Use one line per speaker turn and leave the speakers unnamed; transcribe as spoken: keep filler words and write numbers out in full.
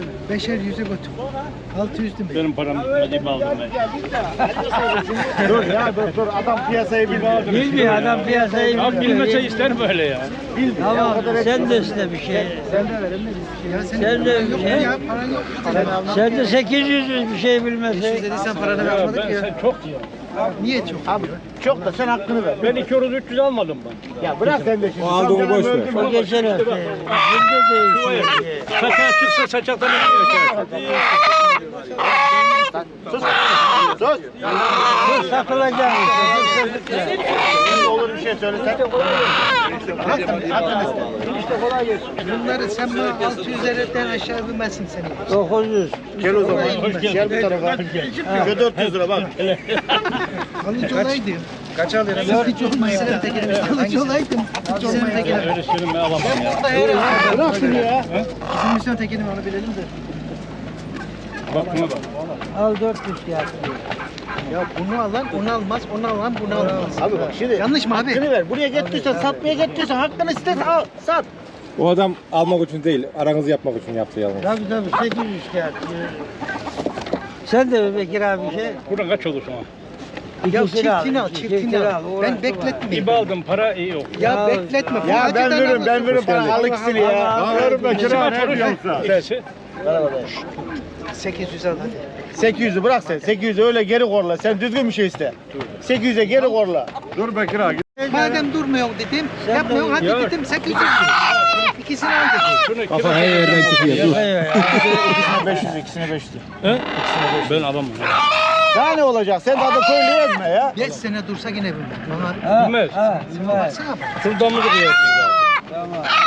parasını. Beşer yüze götür. Altı yüz demek.
Benim param acayip aldım ben.
Dur ya dur dur adam piyasayı bilmiyor.
Bilmiyor adam piyasayı
Ya
bilmiyor.
bilmese ister böyle ya.
Tamam sen de iste bir şey.
Sen de verin mi bir şey? Ya senin
Sen de
paran yok mu
şey-
ya? Paran yok mu?
Sen de sekiz yüz bir şey bilmese.
Dedi sen paranı
Ya
vermedik
ben
ya.
sen çok diyorum.
Niye çok?
Abi çok da sen hakkını ver.
Ben iki yüz üç yüz almadım ben.
Ya bırak sen de şimdi.
Aldığını boş ver.
O geçen hafta. Şimdi değişiyor.
Saçak çıksa saçaktan iniyor.
Sus. Sus.
Dur satılacak.
Şimdi olur bir şey söylesen. Hakkını iste.
İşte kolay gelsin. Bunları sen bana altı yüz liradan aşağı bilmezsin seni.
dokuz yüz.
Gel o zaman.
Hoş geldin.
Gel bu tarafa. Şu dört yüz lira bak.
Alıcı olaydım.
Kaç alıyorsun?
Alıcı olmasın. Alıcı olaydım. Bizim tekini.
Öyle söyleme alamam ya.
Bırak şunu ya.
Bizim misyon tekini onu bilelim de.
Bak buna bak.
Al dört yüz kağıt.
Ya bunu alan onu almaz, onu alan bunu almaz.
Abi bak şimdi.
Yanlış mı abi?
Hakkını ver. Buraya getirirsen satmaya getirirsen hakkını iste al. Sat.
O adam almak için değil, aranızı yapmak için yaptı yalnız.
Tabii tabii sekiz yüz kağıt. Sen de be Bekir abi şey.
Buradan kaç olur sana?
Ya
İkisini al,
çiftini al,
iki-
çiftini
çiftini
al.
al,
Ben
uğraşma.
bekletmeyeyim.
İbi aldım para iyi yok.
Ya,
Ya-
bekletme.
Ya ben
Acıdan
veririm ben
alırsın.
veririm bana al ikisini ya. Veririm ben kira ne yapıyorsun?
İkisi.
sekiz yüz al hadi.
sekiz yüzü bırak sen. sekiz yüzü öyle geri korla. Sen düzgün bir şey iste. sekiz yüze geri korla. Dur Bekir abi.
Madem durmuyor dedim,
Sen
yapmıyor
de-
hadi
Ya-
dedim sekiz yüz. İkisini al dedim.
Şunu
Kafa
kira-
her yerden çıkıyor. Dur.
İkisine beş yüz, ikisine beş yüz.
He? Ben alamam.
Daha ne olacak? Sen de adı köylü ezme ya.
Beş sene dursa yine bilmem. Bana
Ha,
Bilmez.
ha, bilmez.
baksana bak.
Şuradan mı duruyorsun zaten?
Tamam.